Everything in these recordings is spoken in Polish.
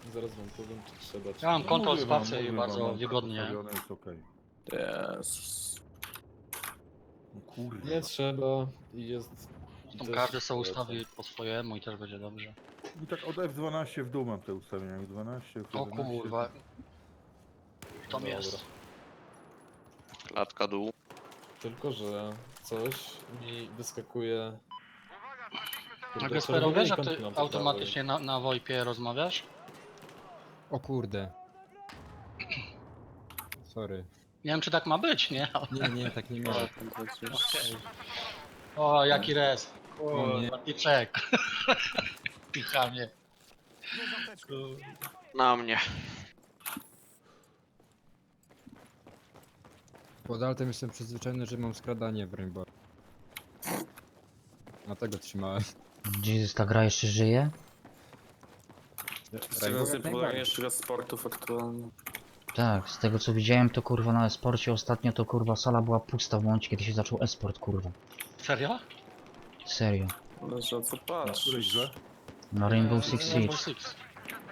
Zaraz wam powiem, czy trzeba. Czy Ja mam nie. kontrol Mówię wam, spacji i mówię bardzo wam, wygodnie. ustawione jest okej. Jezus. No kurwa. Nie trzeba i jest... Tą też każdy sobie polecam. ustawi po swojemu i też będzie dobrze. I tak od F12 w dół mam te ustawienia. F12, O F11. kurwa. Tam Dobra. jest. Klatka dół. Tylko, że coś mi wyskakuje... Kurde, A Gespero, czerwone wiesz, że ikonki ty mam po automatycznie na VoIP-ie rozmawiasz? O kurde. Sorry. Nie wiem, czy tak ma być, nie? Nie, tak nie miałem. Okej. O, jaki res. O nie. Piczek. Pichamie. Na mnie. Pod altem jestem przyzwyczajony, że mam skradanie w Rainbow. Dlatego trzymałem. Jesus, ta gra jeszcze żyje? Z tego najważniejszych sportów aktualnie. Tak, z tego co widziałem to kurwa na esporcie ostatnio to kurwa sala była pusta w momencie kiedy się zaczął esport kurwa. Serio? Serio. Ale że co Na której patrz. grze? Na Rainbow Six Rainbow Siege. Six.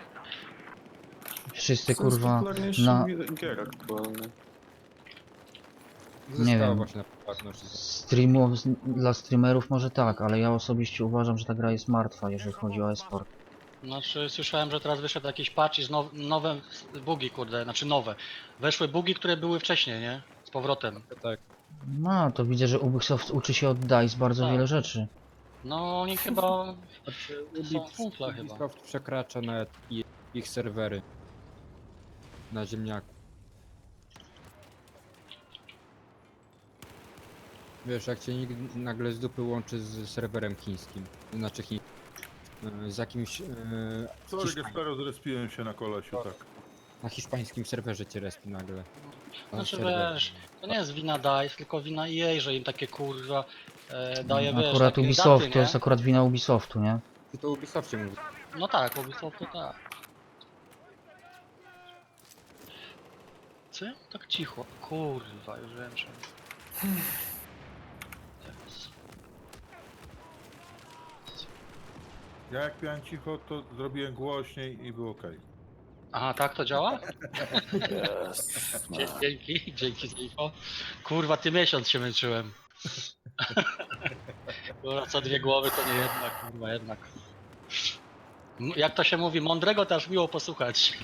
Wszyscy kurwa Najpopularniejszy na- gier aktualnie. Zostało wiem. właśnie na poprawność. dla streamerów może tak, ale ja osobiście uważam, że ta gra jest martwa, jeżeli chodzi o esport. Znaczy, słyszałem, że teraz wyszedł jakiś patch i nowe bugi, kurde, znaczy nowe. Weszły bugi, które były wcześniej, nie? Z powrotem. Tak. No, to widzę, że Ubisoft uczy się od DICE bardzo Tak. wiele rzeczy. No, oni chyba... Znaczy, Są kumple chyba. Ubisoft przekracza nawet ich serwery. Na ziemniaku. Wiesz, jak cię nagle z dupy łączy z serwerem chińskim. Znaczy z jakimś... Sorry, Gespero, zrespiłem się na kolesiu, tak. na hiszpańskim serwerze cię respi nagle. Tam Znaczy, serwer. wiesz, to nie jest wina DICE, tylko wina EA, że im takie kurwa daje, wiesz, Akurat takie Ubisoft, daty, to nie? jest akurat wina Ubisoftu, nie? Ty to Ubisoftie mówi. No tak, Ubisoft to tak. Co? Tak cicho. Kurwa, już wiem, że... Teraz. Ja jak miałem cicho, to zrobiłem głośniej i było okej. Aha, tak to działa? Dzięki za info. Kurwa, ty miesiąc się męczyłem. Kurwa, co dwie głowy to nie jedna, kurwa, jednak. Jak to się mówi, mądrego to aż miło posłuchać.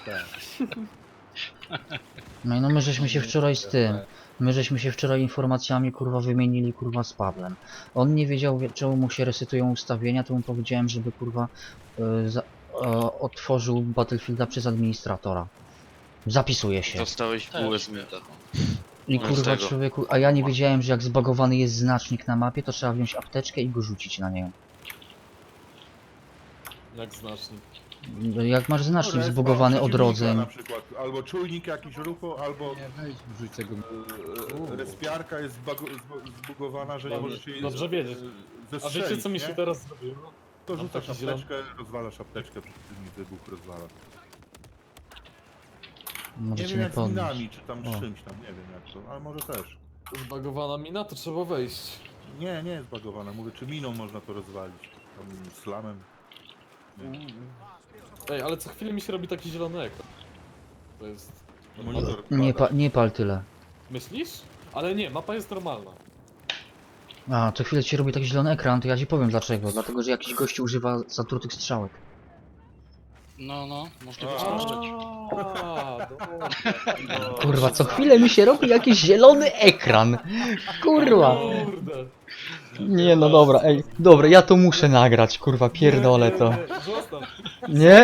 No i no my żeśmy się wczoraj z tym, my żeśmy się wczoraj informacjami kurwa wymienili kurwa z Pawłem. On nie wiedział czemu mu się resetują ustawienia, to mu powiedziałem, żeby kurwa otworzył Battlefielda przez administratora. Zapisuje się. Dostałeś Też. bułę z mięta. I No z kurwa tego. człowieku, a ja nie wiedziałem, że jak zbagowany jest znacznik na mapie, to trzeba wziąć apteczkę i go rzucić na niego. Jak znacznik. Jak masz znacznik Respa zbugowany od przeciwnika rodzeń. Na przykład, albo czujnik jakiś ruchu, albo Nie, weź wrzuć tego. respiarka jest zbugowana, że nie Dobrze- możesz jej dobrze wiedzieć. A zestrzelić, wiecie co mi nie? się teraz zrobiło? To Mam rzucasz taki zielony- apteczkę, rozwalasz apteczkę, przeciwnik wybuch rozwala. Nie Możecie wiem mnie jak z podnieść. minami, czy tam O. z czymś tam, nie wiem jak to, ale może też. Zbagowana mina, to trzeba wejść. Nie jest bagowana, mówię, czy miną można to rozwalić, tam slamem. Nie. Ej, ale co chwilę mi się robi taki zielony ekran. To jest... Monitor Nie pal tyle. Myślisz? Ale nie, mapa jest normalna. A, co chwilę ci robi taki zielony ekran, to ja ci powiem dlaczego. Dlatego, że jakiś gościu używa zatrutych strzałek. No, można A. wyskoczyć. Dobra. Kurwa, co chwilę mi się robi jakiś zielony ekran. Kurwa. Kurde. Nie no dobra, ej. Dobra, ja to muszę nagrać, kurwa, pierdolę to. Nie, zostaw. Nie?